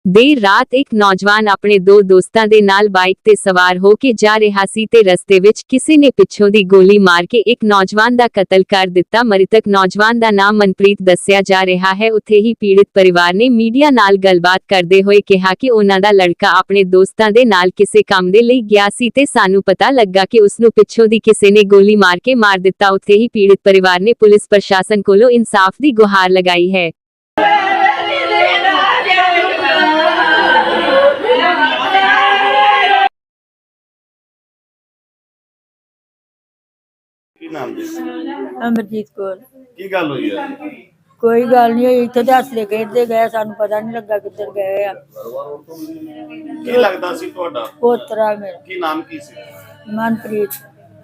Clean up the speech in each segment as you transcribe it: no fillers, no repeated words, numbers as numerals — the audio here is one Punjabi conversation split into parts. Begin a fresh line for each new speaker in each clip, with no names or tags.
देर रात एक नौजवान अपने दो दोस्तां दे नाल बाइक ते सवार हो के जा रहा सी ते रस्ते विच किसी ने पिछों दी गोली मार के एक नौजवान दा कतल कर दिता। मृतक नौजवान दा नाम मनप्रीत दस्सिया जा रहा है। उत्थे ही पीड़ित परिवार ने मीडिया नाल गलबात करदे होए कहा कि उन्हां दा लड़का अपने दोस्तां दे नाल किसे काम दे लई गया सी ते सानू पता लगा कि उसनू पिछों दी किसे ने गोली मार के मार दिता। उत्थे ही पीड़ित परिवार ने पुलिस प्रशासन कोलों इंसाफ दी गुहार लगाई है।
ਕੀ ਨਾਮ ਜੀ?
ਅਮਰਜੀਤ ਕੌਰ।
ਕੀ ਗੱਲ ਹੋਈ ਹੈ?
ਕੋਈ ਗੱਲ ਨਹੀਂ ਹੋਈ, ਇੱਥੇ ਤੇ ਹੱਸਦੇ ਖੇਡਦੇ ਗਏ, ਸਾਨੂੰ ਪਤਾ ਨਹੀਂ ਲੱਗਾ ਕਿੱਧਰ ਗਏ ਆ।
ਕੀ ਲੱਗਦਾ ਸੀ ਤੁਹਾਡਾ?
ਪੋਤਰਾ ਮੇਰਾ
ਕੀ ਨਾਮ ਕੀ ਸੀ?
ਮਨਪ੍ਰੀਤ।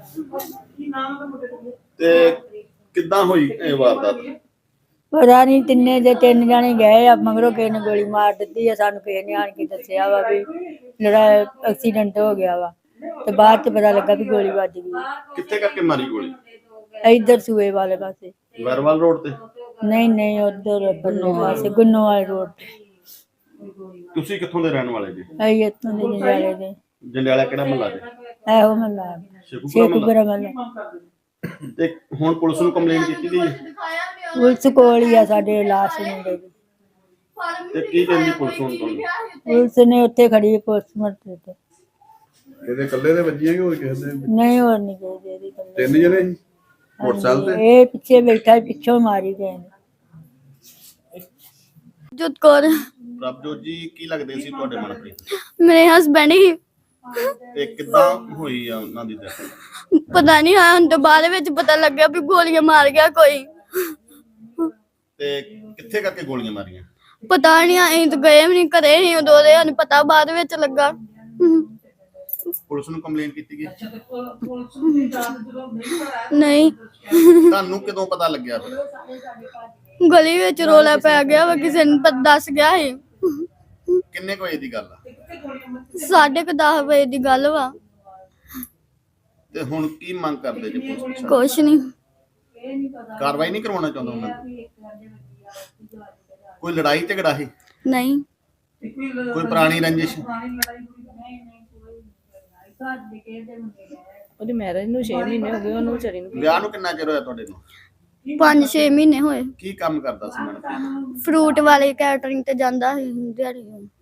ਤੇ ਕਿੱਦਾਂ ਹੋਈ ਇਹ ਵਾਰਦਾਤ?
ਪਤਾ ਨਹੀਂ, ਤਿੰਨ ਜਾਣੇ ਗਏ ਆ, ਮਗਰੋਂ ਕਿਸੇ ਨੇ ਗੋਲੀ ਮਾਰ ਦਿੱਤੀ ਆ। ਸਾਨੂੰ ਕਿਸੇ ਨੇ ਆਣ ਕੇ ਦੱਸਿਆ ਵਾ ਵੀ ਜਿਹੜਾ ਐਕਸੀਡੈਂਟ ਹੋ ਗਿਆ ਵਾ, ਤੇ ਬਾਅਦ ਚ ਪਤਾ ਲੱਗਾ ਵੀ ਗੋਲੀ ਵੱਜ ਗਈ।
ਕਿੱਥੇ ਕਰਕੇ ਮਾਰੀ ਗੋਲੀ?
ਇੱਧਰ ਸੂਏ ਵਾਲੇ ਪਾਸੇ।
ਵਰਵਾਲ ਰੋਡ ਤੇ?
ਨਹੀਂ ਉਧਰ ਪਰਲੇ ਪਾਸੇ ਗੁੰਨੋਵਾਲ ਰੋਡ ਤੇ।
ਤੁਸੀਂ ਕਿੱਥੋਂ ਦੇ ਰਹਿਣ ਵਾਲੇ ਜੀ?
ਅਸੀਂ ਇੱਥੋਂ ਦੇ ਜੰਡਿਆਲੇ ਦੇ।
ਜੰਡਿਆਲਾ ਕਿਹੜਾ ਮਹੱਲਾ ਜੀ?
ਇਹੋ ਮਹੱਲਾ ਸ਼ੇਖੂਪੁਰਾ ਮਹੱਲਾ।
ਤੇ ਹੁਣ ਪੁਲਿਸ ਨੂੰ ਕੰਪਲੇਂਟ ਕੀਤੀ ਗਈ ਹੈ?
ਪੁਲਿਸ ਕੋਲ ਹੀ ਆ ਸਾਡੇ ਲਾਸ਼ ਮੁੰਡੇ ਦੀ।
ਤੇ ਕੀ ਕਹਿੰਦੀ ਪੁਲਿਸ ਹੁਣ ਤੁਹਾਨੂੰ?
ਪੁਲਿਸ ਨੇ ਉੱਥੇ ਖੜੀ ਪੋਸਟਮਾਰਟਮ ਤੇ।
ਇਹਦੇ ਇਕੱਲੇ ਦੇ ਵੱਜੀਆਂ ਕਿ ਹੋਰ ਕਿਸੇ ਦੇ?
ਨਹੀਂ, ਹੋਰ ਨਹੀਂ ਗਏ ਇਹਦੀ ਗੱਲ।
ਤਿੰਨ ਜਣੇ ਸੀ ਮੋਟਰਸਾਈਕਲ ਤੇ?
ਇਹ ਪਿੱਛੇ ਬੈਠਾ, ਪਿੱਛੋਂ ਮਾਰੀ ਗਏ ਨੇ।
ਜੋਤ ਕੌਰ
ਪ੍ਰਭਜੋਤ ਜੀ, ਕੀ ਲੱਗਦੇ ਸੀ ਤੁਹਾਡੇ ਮਨਪ੍ਰੀਤ?
ਮੇਰੇ ਹਸਬੈਂਡ ਹੀ।
ਤੇ ਕਿੱਦਾਂ ਹੋਈ ਆ ਉਹਨਾਂ ਦੀ death?
ਪਤਾ ਨਹੀਂ ਹਾਂ ਤੋਂ ਬਾਅਦ ਵਿੱਚ ਪਤਾ ਲੱਗਿਆ ਵੀ ਗੋਲੀਆਂ ਮਾਰ ਗਿਆ ਕੋਈ।
ਤੇ ਕਿੱਥੇ ਕਰਕੇ ਗੋਲੀਆਂ ਮਾਰੀਆਂ?
ਪਤਾ ਨਹੀਂ, ਅਸੀਂ ਤਾਂ ਗਏ ਵੀ ਨਹੀਂ, ਘਰੇ ਹੀ ਉਦੋਂ ਦੇ ਸਾਨੂੰ ਪਤਾ ਬਾਅਦ ਵਿੱਚ ਲੱਗਾ।
ਪੁਲਿਸ ਨੂੰ ਕੰਪਲੇਂਟ ਕੀਤੀ ਗਈ?
ਨਹੀਂ,
ਤੁਹਾਨੂੰ ਕਦੋਂ ਪਤਾ ਲੱਗਿਆ ਫਿਰ?
ਗਲੀ ਵਿੱਚ ਰੋਲਾ ਪੈ ਗਿਆ ਵਾ, ਕਿਸੇ ਨੇ ਦੱਸ ਗਿਆ ਸੀ।
ਕਿੰਨੇ ਕੁ ਵਜੇ ਦੀ ਗੱਲ ਆ?
10:30 ਵਜੇ ਦੀ ਗੱਲ ਵਾ।
ਤੇ ਹੁਣ ਕੀ ਮੰਗ ਕਰਦੇ ਜੀ ਪੁਲਿਸ ਪ੍ਰਸ਼ਾਸਨ?
ਕੁਛ ਨਹੀਂ,
ਕਾਰਵਾਈ ਨਹੀਂ ਕਰਵਾਉਣਾ ਚਾਹੁੰਦਾ ਉਹਨਾਂ ਦੀ? ਕੋਈ ਲੜਾਈ ਝਗੜਾ ਹੈ?
ਨਹੀਂ,
ਕੋਈ ਪੁਰਾਣੀ ਰੰਜਿਸ਼?
ਉਹਦੀ ਮੈਰਿਜ ਨੂੰ 6 ਮਹੀਨੇ ਹੋ ਗਏ, ਉਹਨੂੰ ਵਿਚਾਰੀ ਨੂੰ।
ਵਿਆਹ ਨੂੰ ਕਿੰਨਾ ਚਿਰ ਹੋਇਆ ਤੁਹਾਡੇ ਨੂੰ?
5-6 ਮਹੀਨੇ ਹੋਏ।
ਕੀ ਕੰਮ ਕਰਦਾ ਸੀ ਮਨਪ੍ਰੀਤ?
ਫਰੂਟ ਵਾਲੇ ਕੈਟਰਿੰਗ ਤੇ ਜਾਂਦਾ ਸੀ ਦਿਹਾੜੀ।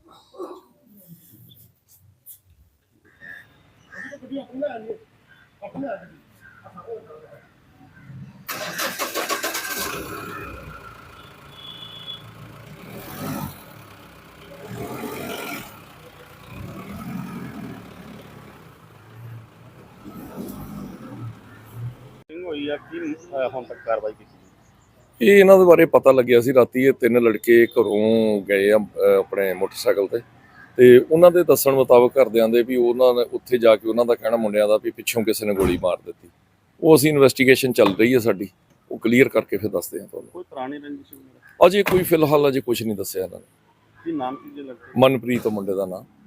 ਹੋਈ ਆ ਕੀ ਹੁਣ ਤੱਕ ਕਾਰਵਾਈ ਕੀਤੀ?
ਇਹ ਇਹਨਾਂ ਦੇ ਬਾਰੇ ਪਤਾ ਲੱਗਿਆ ਸੀ ਰਾਤੀ। ਇਹ ਤਿੰਨ ਲੜਕੇ ਘਰੋਂ ਗਏ ਆ ਆਪਣੇ ਮੋਟਰਸਾਈਕਲ ਤੇ ਉਹਨਾਂ ਦੇ ਦੱਸਣ ਮੁਤਾਬਕ ਘਰਦਿਆਂ ਦੇ ਵੀ ਉਹਨਾਂ ਨੇ ਉੱਥੇ ਜਾ ਕੇ ਉਹਨਾਂ ਦਾ ਕਹਿਣਾ ਮੁੰਡਿਆਂ ਦਾ ਵੀ ਪਿੱਛੋਂ ਕਿਸੇ ਨੇ ਗੋਲੀ ਮਾਰ ਦਿੱਤੀ। ਉਹ ਅਸੀਂ ਇਨਵੈਸਟੀਗੇਸ਼ਨ ਚੱਲ ਰਹੀ ਹੈ ਸਾਡੀ, ਉਹ ਕਲੀਅਰ ਕਰਕੇ ਫਿਰ ਦੱਸਦੇ ਹਾਂ ਤੁਹਾਨੂੰ।
ਕੋਈ ਪੁਰਾਣੀ ਰੰਜਿਸ਼ ਵਗੈਰਾ?
ਅਜੇ ਕੋਈ ਫਿਲਹਾਲ ਅਜੇ ਕੁਝ ਨਹੀਂ ਦੱਸਿਆ ਇਹਨਾਂ ਨੇ।
ਕੀ ਨਾਮ ਕੀ ਜੇ ਲੱਗਦਾ?
ਮਨਪ੍ਰੀਤ ਮੁੰਡੇ ਦਾ ਨਾਂ।